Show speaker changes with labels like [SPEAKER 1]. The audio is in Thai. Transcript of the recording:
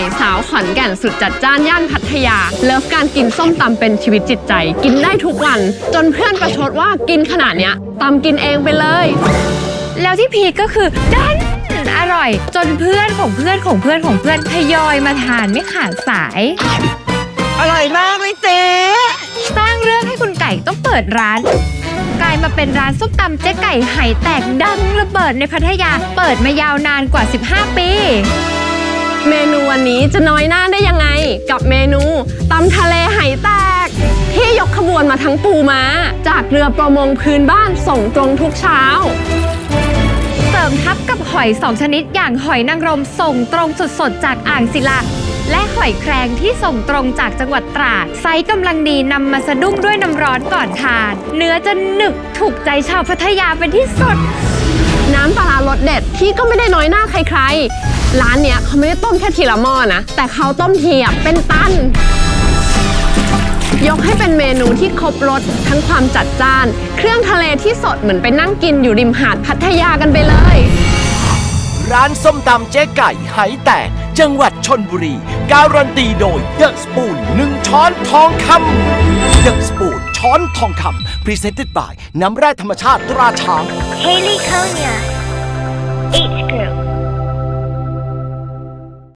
[SPEAKER 1] สาวขอนแก่นสุดจัดจ้านย่านพัทยาเลิฟการกินส้มตำเป็นชีวิตจิตใจกินได้ทุกวันจนเพื่อนประชดว่ากินขนาดเนี้ยตำกินเองไปเลย
[SPEAKER 2] แล้วที่พีคก็คือดันอร่อยจนเพื่อนของเพื่อนของเพื่อนของเพื่อนทยอยมาทานไม่ขาดสาย
[SPEAKER 3] อร่อยมากเลยเจ๊
[SPEAKER 2] สร้างเรื่องให้คุณไก่ต้องเปิดร้านกลายมาเป็นร้านส้มตำเจ๊ไก่ไหแตกดังระเบิดในพัทยาเปิดมายาวนานกว่า15ปี
[SPEAKER 1] เมนูวันนี้จะน้อยหน้าได้ยังไงกับเมนูตำทะเลไหแตกที่ยกขบวนมาทั้งปูม้าจากเรือประมงพื้นบ้านส่งตรงทุกเช้า
[SPEAKER 2] เสริมทับกับหอย2ชนิดอย่างหอยนางรมส่งตรงสดๆจากอ่างศิลาและหอยแครงที่ส่งตรงจากจังหวัดตราดไซส์กำลังดีนำมาสะดุ้งด้วยน้ำร้อนก่อนทานเนื้อจะหนึบถูกใจชาวพัทยาเป็นที่สุด
[SPEAKER 1] น้ำปลาร้ารสเด็ดที่ก็ไม่ได้น้อยหน้าใครๆร้านเนี้ยเขาไม่ได้ต้มแค่ทีละหม้อนะแต่เขาต้มทีเป็นตันยกให้เป็นเมนูที่ครบรสทั้งความจัดจ้านเครื่องทะเลที่สดเหมือนไปนั่งกินอยู่ริมหาดพัทยากันไปเลย
[SPEAKER 4] ร้านส้มตำเจ๊ไก่ไหแตกจังหวัดชลบุรีการันตีโดยเดอะสปูน1 ช้อนทองคำเดอะสปูนช้อนทองคำ Presented by น้ำแร่ธรรมชาติตราช้าง
[SPEAKER 5] Haley Konya 8th grade